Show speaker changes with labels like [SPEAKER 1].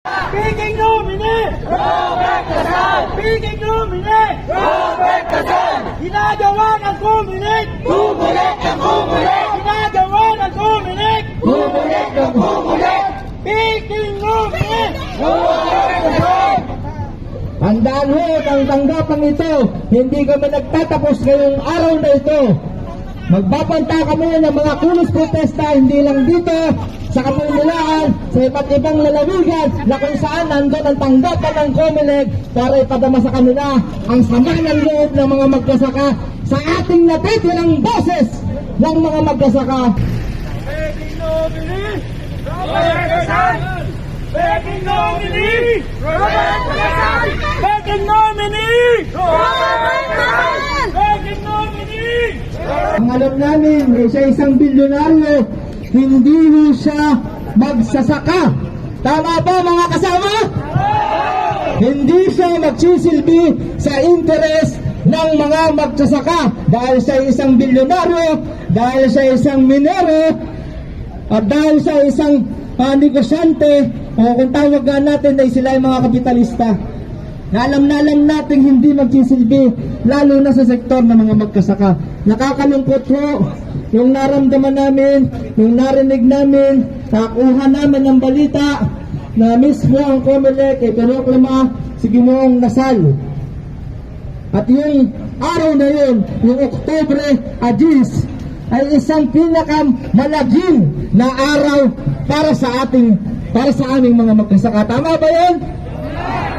[SPEAKER 1] Speaking nominee! Robert Casal! Speaking nominee! Robert Casal! Ginagawa ng Comelec! Bumulit ng bumulit! Ginagawa ng Comelec! Bumulit ng bumulit! Speaking nominee! Robert Casal!
[SPEAKER 2] Tandaan ho ang tanggapan ito, hindi kami nagtatapos ngayong araw na ito. Magbabanta kami ng mga kulos protesta, hindi lang dito, sa Kamunulaan, sa iba't ibang lalawigan na kung saan nandun ang tanggapan ng Comelec para ipadama sa kanila ang sama ng loob ng mga magkasaka sa ating natitirang boses ng mga magkasaka.
[SPEAKER 1] Speaking nominee! Robert Casal! Speaking nominee! Robert Casal! Speaking nominee! Robert Casal! Speaking nominee!
[SPEAKER 2] Ang alam namin, siya isang bilyonaryo, hindi ho siya magsasaka. Tama ba mga kasama? Hindi siya magsisilbi sa interes ng mga magsasaka dahil siya isang bilyonaryo, dahil siya isang minero, at dahil siya isang negosyante, o kung tawag natin ay sila ay mga kapitalista. Na alam natin hindi magsisilbi, lalo na sa sektor ng mga magkasaka. Nakakalungkot ho yung naramdaman namin, yung narinig namin, nakuha namin ng balita na mismo ang Comelec ay pinoklama si Ginoong Nasal. At yung araw na yun, yung Oktubre 10, ay isang pinakamalagim na araw para sa aming mga magkasaka. Tama ba yun?